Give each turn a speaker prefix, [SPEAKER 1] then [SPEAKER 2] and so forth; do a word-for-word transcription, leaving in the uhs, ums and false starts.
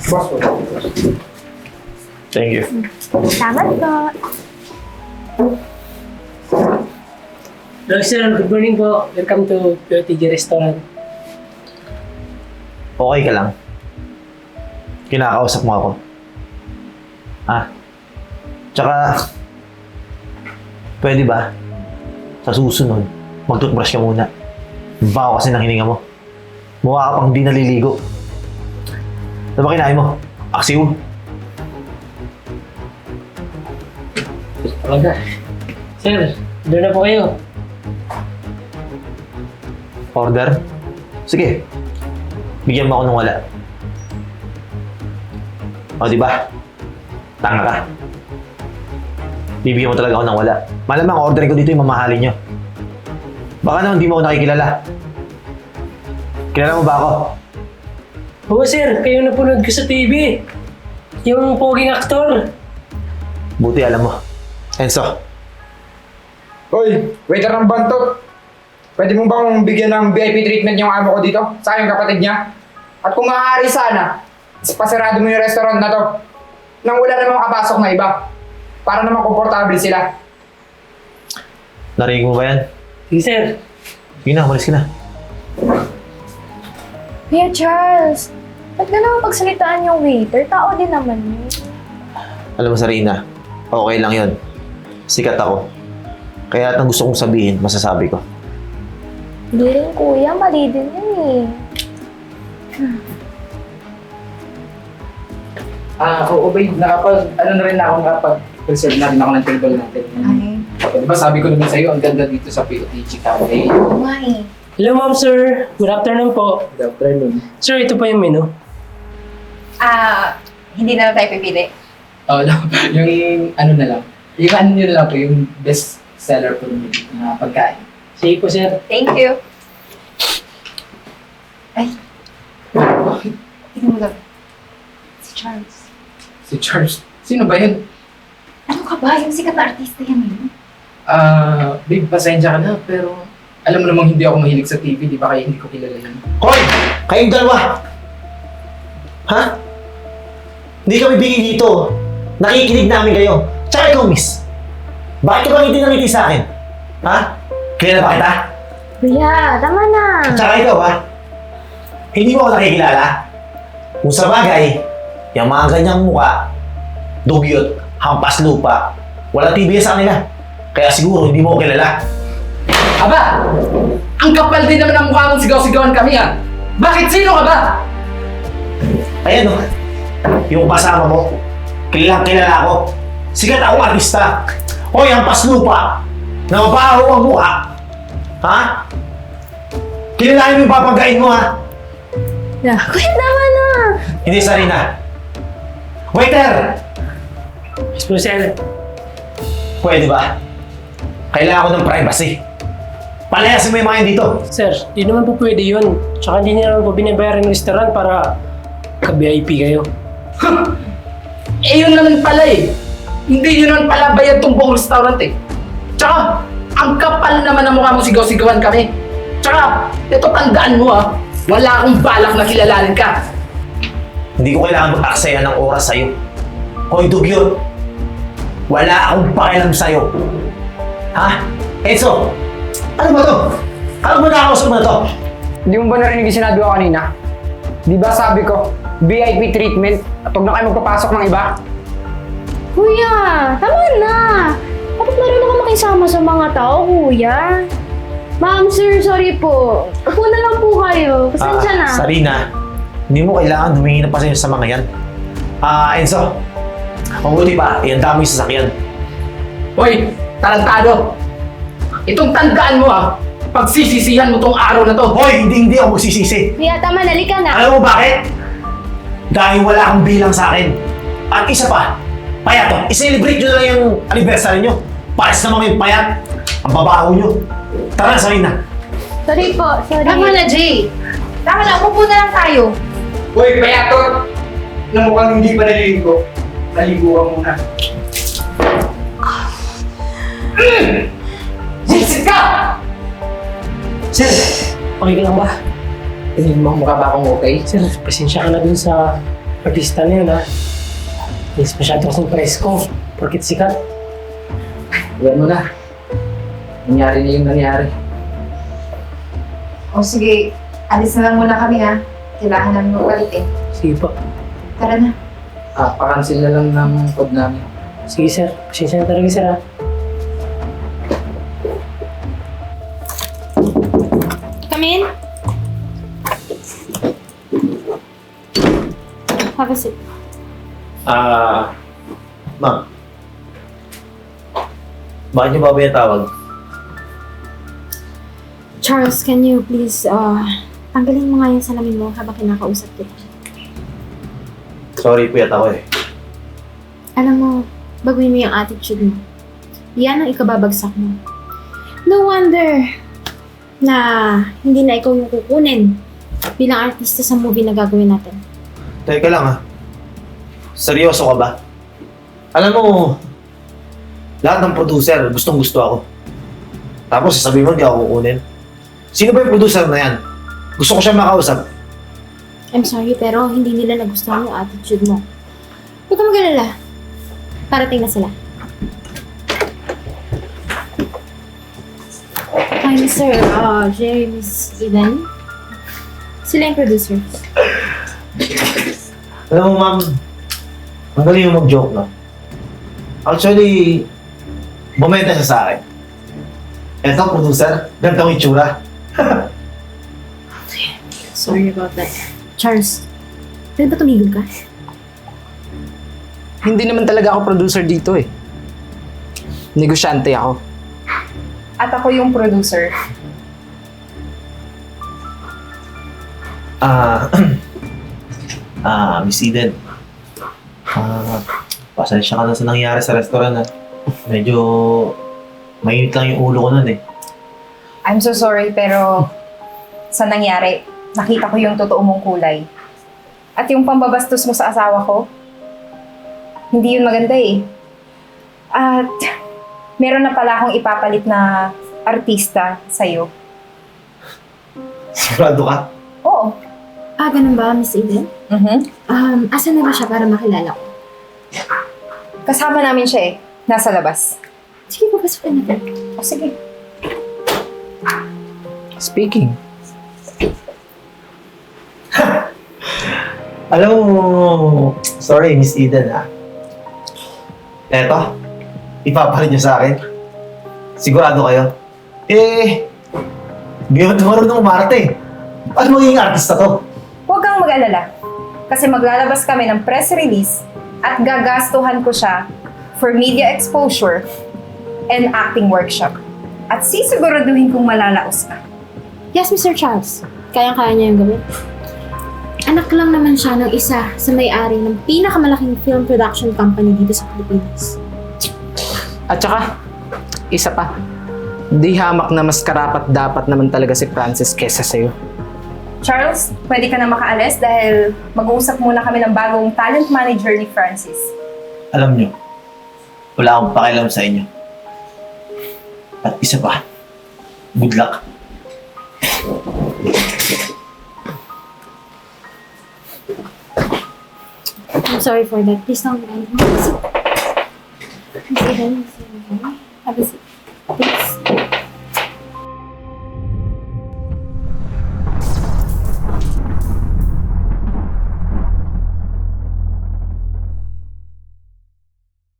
[SPEAKER 1] Boss po.
[SPEAKER 2] Thank you.
[SPEAKER 3] Salamat po.
[SPEAKER 4] Hello sir, good morning po. Welcome to P O T G Restaurant.
[SPEAKER 2] Okay ka lang? Kinakausap mo ako? Ah? Tsaka, pwede ba? Sa susunod, mag-toothbrush ka muna. Baho kasi ng hininga mo. Mukha ka pang di naliligo. Ano ba kinain mo? Aksiw?
[SPEAKER 4] Talaga. Sir, doon na po kayo.
[SPEAKER 2] Order? Sige. Bigyan mo ako ng wala. O, di ba? Tanga ka. Bibigyan mo talaga ako ng wala. Malamang order ko dito yung mamahalin nyo. Baka naman di mo ako nakikilala. Kilala mo ba ako?
[SPEAKER 4] Oo sir, kayo napanood ko sa T V. Yung poging aktor.
[SPEAKER 2] Buti alam mo. Enzo,
[SPEAKER 1] Hoy, waiter ng bantot. Pwede mo bang bigyan ng V I P treatment yung amo ko dito? Sa yung kapatid niya? At kung maaari sana, pasarado mo yung restaurant na to. Nang wala namang makapasok na iba. Para naman komportable sila.
[SPEAKER 2] narinig mo ba yan?
[SPEAKER 4] Sige sir.
[SPEAKER 2] Yun na, umalis ka na.
[SPEAKER 3] Kuya Charles, ba't ka naman pagsalitaan yung waiter? Tao din naman yun.
[SPEAKER 2] Alam mo, Sarina, okay lang yun. Sikat ako. Kaya lahat ng gusto kong sabihin, masasabi ko.
[SPEAKER 3] Hindi rin kuya, mali din yun eh.
[SPEAKER 1] Ah, oo babe, nakapag, ano na rin ako, nakapag-reserve na rin ako ng table natin.
[SPEAKER 3] Ay,
[SPEAKER 1] Di ba sabi ko naman sa'yo, ang ganda dito sa P O T G Cafe.
[SPEAKER 3] oo nga eh.
[SPEAKER 4] Hello ma'am sir. Good afternoon po.
[SPEAKER 1] Good afternoon.
[SPEAKER 4] Sir, ito po yung menu.
[SPEAKER 5] Ah, hindi na lang tayo pipili.
[SPEAKER 1] Oh, no, yung ano na lang. Yung ano nyo na lang po, yung best seller po ng mga pagkain.
[SPEAKER 4] Sige po sir.
[SPEAKER 5] Thank you. Ay.
[SPEAKER 1] Bakit?
[SPEAKER 5] Tingnan mo lang. Si Charles.
[SPEAKER 1] Si Charles. Sino ba yun?
[SPEAKER 5] Ano ka ba? Yung sikat na artista yan eh.
[SPEAKER 1] Ah, babe, pasensya ka na, pero alam mo namang hindi ako mahilig sa T V, di ba kaya hindi ko kilala yun?
[SPEAKER 2] Hoy! Kayong dalawa! Ha? Hindi kami bigay dito. Nakikinig namin kayo. Tsaka ikaw, miss. Bakit ka ba ngiti ng ngiti sa akin? Ha? Kilala ba kita?
[SPEAKER 3] Kuya, tama na.
[SPEAKER 2] Tsaka ikaw, ha? Hindi mo ako nakikilala. Kung sa bagay, yung mga ganyang mukha, dugyot, hampas lupa, wala T V sa kanila. Kaya siguro hindi mo ako kilala.
[SPEAKER 1] Aba! Ang kapal din naman ang mukha mong sigaw-sigawan kami ha! Bakit sino ka ba?
[SPEAKER 2] Ayan o, yung kasama mo, kilalang kilala ko. Sikat akong artista. Hoy, hampas lupa, na mabaho ang mukha. Ha? Kilalain mo yung papagain mo, ha?
[SPEAKER 3] Yeah. Kuya, tama na.
[SPEAKER 2] Hindi, Sarina. Waiter!
[SPEAKER 4] Yes po sir.
[SPEAKER 2] Pwede ba? Kailangan ko ng privacy. Palayasin mo yung mga yan dito.
[SPEAKER 4] Sir, di naman po pwede yun. Tsaka hindi niya naman po binabayaran ng restaurant para ka-V I P kayo.
[SPEAKER 1] Eh yun naman pala eh! Hindi yun naman pala bayad tong buong restaurant eh! Tsaka, ang kapal naman ang mukha mong sigaw-sigawan kami! Tsaka, ito tandaan mo ha, wala akong balak na kilalanin ka!
[SPEAKER 2] Hindi ko kailangan mag-aksaya ng oras sa'yo. Hoy, dugyot! Wala akong pakialam sa'yo. Ha? Enzo! Ano ba to? Ano ba nakakausap mo na to?
[SPEAKER 1] Hindi mo ba narinig yung sinabi ko kanina? Di ba sabi ko, V I P treatment at huwag na kayo magpapasok ng iba?
[SPEAKER 3] Kuya, tama na. Dapat marunong ka makisama sa mga tao, kuya. Ma'am, sir, sorry po. Upo na lang po kayo. Pasensya na.
[SPEAKER 2] Ah, Sarina, hindi mo kailangan humingi ng pasensya sa mga yan. Ah, Enzo, mabuti pa, ihanda mo yung sasakyan.
[SPEAKER 1] Hoy, talentado! Itong tandaan mo ha, pagsisisihan mo tong araw na to.
[SPEAKER 2] Hoy, hindi hindi ako magsisisi.
[SPEAKER 3] Kuya, tama na. Halika na.
[SPEAKER 2] Alam mo bakit? Dahil wala kang bilang sa akin. At isa pa, payat to. I-celebrate nyo na lang yung anniversary nyo. Pares naman yung payat. Ang babaho nyo. Tara, Sarina.
[SPEAKER 3] Sorry po, sorry.
[SPEAKER 5] Tama na, Jay. Tama na, umupo na lang tayo.
[SPEAKER 1] Hoy, payatot! Na mukhang hindi pa naliligo. Naligo ka muna. Sisig ka!
[SPEAKER 4] Sir, okay ka lang ba?
[SPEAKER 1] Tingin mo mukha ba akong okay?
[SPEAKER 4] Sir, pasensya ka na dun sa artista na yun ha. Hindi masyado kasing presko. Porkit sikat.
[SPEAKER 1] Iyan mo na. Nangyari na yung nangyari.
[SPEAKER 5] O sige, alis na lang muna kami ha. Kailangan namin magpalit eh.
[SPEAKER 4] Sige po.
[SPEAKER 5] Tara na.
[SPEAKER 1] Ah, pa-cancel na lang ng code namin.
[SPEAKER 4] Sige sir. Pasensya na talaga sir ha.
[SPEAKER 3] Come in. Have a seat.
[SPEAKER 2] Ah, ma'am. Bakit niyo ba tawag?
[SPEAKER 3] Charles, can you please, uh, tanggalin mo nga yung salamin mo habang kinakausap kita.
[SPEAKER 2] Sorry, puyat ako eh.
[SPEAKER 3] Alam mo, baguhin mo yung attitude mo. Yan ang ikababagsak mo. No wonder na hindi na ikaw yung kukunin bilang artista sa movie na gagawin natin.
[SPEAKER 2] Teka lang ha. Seryoso ka ba? Alam mo, lahat ng producer, gustong gusto ako. Tapos sasabihin mo, hindi ako kukunin. Sino ba yung producer na yan? Gusto ko siya makausap.
[SPEAKER 3] I'm sorry, pero hindi nila nagustuhan yung attitude mo. Huwag ka mag-alala. Parating na sila. Hi, Mister Uh, Jerry, Miss Eden. Sila yung producers.
[SPEAKER 2] Alam mo, ma'am, ang galing yung mag-joke, no? Actually, bumenta siya sa akin. Eto, producer, ganito ang itsura.
[SPEAKER 3] Sorry about that. Charles, pwede ba tumigil ka?
[SPEAKER 1] Hindi naman talaga ako producer dito eh. Negosyante ako.
[SPEAKER 5] At ako yung producer.
[SPEAKER 2] Ah, ah, Miss Eden. Ah, pasensya ka na sa nangyari sa restaurant, ha? Medyo mainit lang yung ulo ko nun, eh.
[SPEAKER 5] I'm so sorry pero sa nangyari, nakita ko yung totoo mong kulay. At yung pambabastos mo sa asawa ko, hindi yun maganda eh. At meron na pala akong ipapalit na artista sa'yo.
[SPEAKER 2] Sigurado ka?
[SPEAKER 5] Oo.
[SPEAKER 3] Ah, ganun ba, Miss Eden?
[SPEAKER 5] Mhm.
[SPEAKER 3] Um, asan na ba siya para makilala ko?
[SPEAKER 5] Kasama namin siya eh. Nasa labas.
[SPEAKER 3] Sige, papasukin natin.
[SPEAKER 5] O sige.
[SPEAKER 1] Speaking.
[SPEAKER 2] Alam mo, sorry, Miss Eden, ha? Eto, ipapalit niyo sa akin. Sigurado kayo? Eh, biyot na marunong umarte. Paano magiging artista to?
[SPEAKER 5] Huwag kang mag-alala. Kasi maglalabas kami ng press release at gagastuhan ko siya for media exposure and acting workshop. At sisiguraduhin kong malalaos ka.
[SPEAKER 3] Yes, Mister Charles. Kayang-kaya niya yung gawin. Anak lang naman siya ng isa sa may-ari ng pinakamalaking film production company dito sa Pilipinas.
[SPEAKER 1] At saka, isa pa. Di hamak na mas karapat dapat naman talaga si Francis kesa sa'yo.
[SPEAKER 5] Charles, pwede ka na makaalis dahil mag-uusap muna kami ng bagong talent manager ni Francis.
[SPEAKER 2] Alam nyo, wala akong pakialam sa inyo. At isa pa, good luck.
[SPEAKER 3] I'm sorry for that. Please don't mind. Miss Eden, Miss Eden. Have a seat.